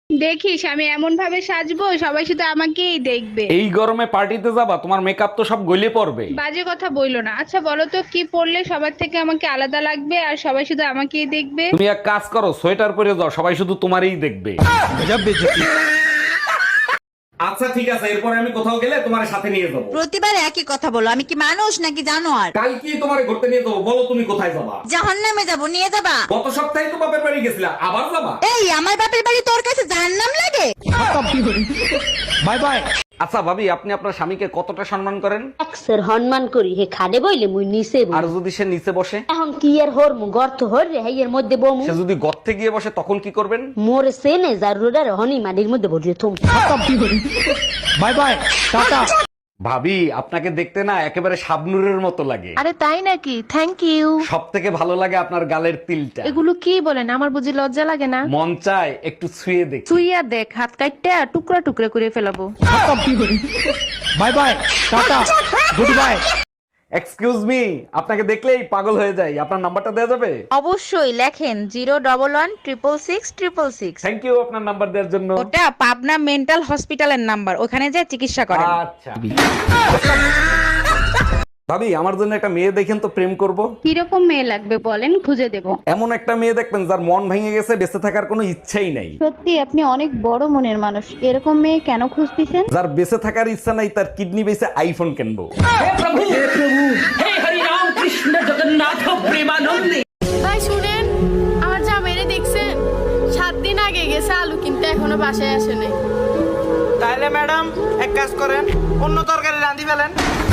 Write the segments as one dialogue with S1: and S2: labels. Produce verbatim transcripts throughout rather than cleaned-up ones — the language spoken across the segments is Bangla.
S1: দেখিস আমি এমন ভাবে সাজবো সবাই শুধু আমাকেই দেখবে।
S2: এই গরমে পার্টিতে যাবা? তোমার মেকআপ তো সব গলে পড়বে।
S1: বাজে কথা বইলো না। আচ্ছা বলো তো কি পরলে সবার থেকে আমাকে আলাদা লাগবে আর সবাই শুধু আমাকেই দেখবে?
S2: তুমি এক কাজ করো, সোয়েটার পরে যাও, সবাই শুধু তোমারই দেখবে। আচ্ছা ঠিক আছে, এরপরে আমি কোথাও গেলে তোমার সাথে নিয়ে যাবো।
S3: প্রতিবার একই কথা বলো, আমি কি মানুষ নাকি জানোয়ার?
S2: কাল কি তোমার ঘুরতে নিয়ে যাবো, বলো তুমি কোথায় যাবা?
S3: জাহান্নামে যাবো, নিয়ে যাবা?
S2: গত সপ্তাহে তো বাপের বাড়ি গেছিলা, আবার যাবা?
S3: এই আমার বাপের বাড়ি তোর কাছে জাহান্নাম লাগে?
S2: Bye bye. আচ্ছা ভাবি, আপনি আপনার স্বামীকে কতটা সম্মান করেন?
S4: একসের সম্মান করি হে খাদে বইলে মুই নিচে বই।
S2: আর যদি সে নিচে বসে?
S4: এখন কি এর হর মু গর্ত হর রে হেয়ের মধ্যে বমু।
S2: সে যদি গর্তে গিয়ে বসে তখন কি করবেন?
S4: মোরে সেনে জারুরার হনি মাটির মধ্যে ভরিয়ে থুম।
S2: By bye, tata. ভাবি, আপনাকে দেখতে না একেবারে শাবনুরের মতো লাগে।
S5: আরে তাই নাকি? Thank you.
S2: সব থেকে ভালো লাগে আপনার গালের তিলটা।
S5: এগুলো কি বলেন, আমার বুঝি লজ্জা লাগে না?
S2: মন চায় একটু ছুঁয়ে দেখি।
S5: তুইয়া দেখ, হাত কাটতে টুকরা টুকরা করে ফেলাবো।
S2: Bye bye, tata, good bye. Excuse me, আপনাকে দেখলেই পাগল হয়ে যাই, আপনার নাম্বারটা দেওয়া যাবে?
S3: অবশ্যই, লেখেন zero double one triple six triple six.
S2: Thank you আপনার নাম্বার দেওয়ার জন্য।
S3: ওটা পাবনা মেন্টাল হসপিটালের নাম্বার, ওখানে যে চিকিৎসা করেন।
S2: আচ্ছা ভাবি, আমার জন্য একটা মেয়ে দেখেন তো, প্রেম করব।
S1: কিরকম মেয়ে লাগবে বলেন, খুঁজে দেব।
S2: এমন একটা মেয়ে দেখবেন যার মন ভেঙে গেছে, বেঁচে থাকার কোনো ইচ্ছাই নাই।
S1: সত্যি আপনি অনেক বড় মনের মানুষ। এরকম মেয়ে কেন খুঁজতেছেন?
S2: যার বেঁচে থাকার ইচ্ছা নাই, তার কিডনি বেঁচে আইফোন কিনবো।
S6: ভাই শুনেন, আমার জামাইরে দেখছেন? সাত দিন আগে গেছে আলু কিনতে, এখনো বাসায় আসে নাই।
S7: তাইলে ম্যাডাম এক কাজ করেন, অন্য তরকারি রাঁধি ফেলেন।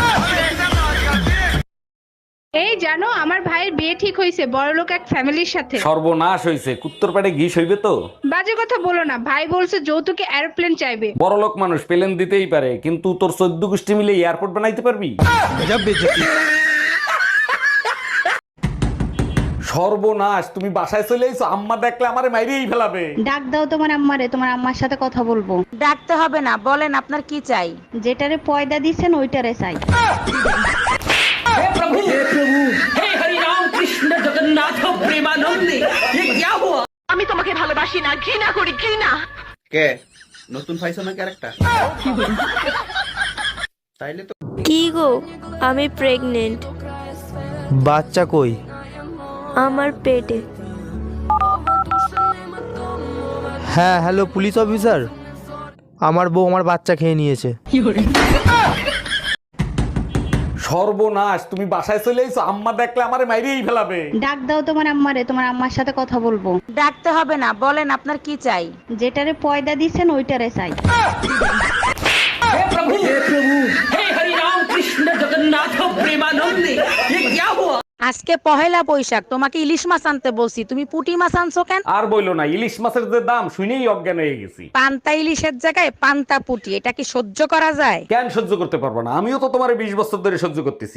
S1: এই জানো আমার ভাইয়ের বিয়ে ঠিক হয়েছে বড়লোক এক ফ্যামিলির সাথে।
S2: সর্বনাশ হয়েছে, কুত্তর পেটে ঘি সইবে তো।
S1: বাজে কথা বলো না, ভাই বলছে যৌতুকে এরোপ্লেন চাইবে।
S2: বড় লোক মানুষ, পেলেন দিতেই পারে, কিন্তু তোর চোদ্দ গোষ্ঠী মিলে এয়ারপোর্ট বানাইতে পারবি? সর্বনাশ, তুমি বাসায় চলে এসো, আম্মা দেখলে আমারে মাইরেই ফেলাবে।
S1: ডাক দাও তোমার আম্মারে, তোমার আম্মার সাথে কথা বলবো।
S3: ডাকতে হবে না, বলেন আপনার কি চাই?
S1: যেটারে পয়দা দিচ্ছেন ওইটারে চাই।
S3: আমি তোমাকে ভালোবাসি না, ঘৃণা করি, ঘৃণা।
S7: কে নতুন পাইছো না ক্যারেক্টার? তাইলে তো
S8: কি গো, আমি প্রেগনেন্ট।
S9: বাচ্চা কই?
S8: আমার পেটে।
S9: হ্যাঁ হ্যালো পুলিশ অফিসার, আমার বউ আমার বাচ্চা খেয়ে নিয়েছে।
S2: সর্বনাশ, তুমি বাসায় চলে এসো, আম্মা দেখলে আমারে মাইরেই ফেলাবে।
S1: ডাক দাও তোমার আম্মারে, তোমার আম্মার সাথে কথা বলবো।
S3: ডাকতে হবে না, বলেন আপনার কি চাই?
S1: যেটারে পয়দা দিচ্ছেন ওইটারে চাই।
S3: আজকে পহেলা বৈশাখ, তোমাকে ইলিশ মাছ আনতে বলছি, তুমি পুঁটি মাছ আনছো কেন?
S2: আর বইলো না, ইলিশ মাছের যে দাম শুনেই অজ্ঞান হয়ে গেছি।
S3: পান্তা ইলিশের জায়গায় পান্তা পুঁটি, এটা কি সহ্য করা যায়?
S2: কেন সহ্য করতে পারবো না? আমিও তো তোমার বিশ বছর ধরে সহ্য করতেছি।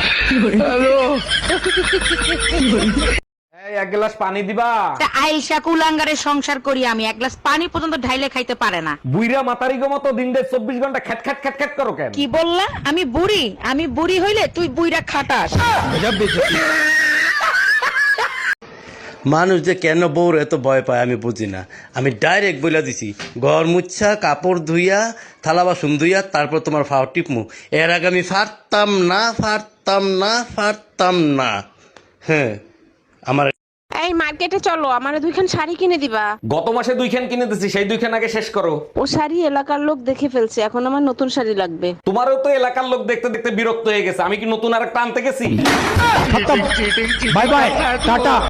S2: এই, এক গ্লাস পানি দিবা?
S3: তা আইসা কুলাঙ্গারের সংসার করি আমি, এক গ্লাস পানি পর্যন্ত ঢাইলে খাইতে পারে না।
S2: বুইরা মাতারি গো মতো দিন দেড় চব্বিশ ঘন্টা খ্যাট খ্যাট খ্যাট খ্যাট করো কেন?
S3: কি বললা? আমি বুড়ি? আমি বুড়ি হইলে তুই বুইরা খাটাস।
S10: মানুষ যে কেন বউর এত ভয় পায় আমি বুঝি না। আমি ডাইরেক্ট বইলা দিছি, ঘর মুচ্ছা, কাপড় ধুইয়া, থালা বাসন ধুইয়া, তারপর তোমার ফাও টিপমু। এর আগে আমি ফারতাম না, ফারতাম না, ফারতাম না। হ্যাঁ, আমার
S5: এই মার্কেটে চলো, আমার দুইখান শাড়ি কিনে দিবা।
S2: গত মাসে দুইখান কিনে দিছি, সেই দুইখান আগে শেষ করো।
S5: ও শাড়ি এলাকার লোক দেখে ফেলছে, এখন আমার নতুন শাড়ি লাগবে।
S2: তোমারও তো এলাকার লোক দেখতে দেখতে বিরক্ত হয়ে গেছে, আমি কি নতুন আর একটা আনতে গেছি?
S9: Bye bye, tata.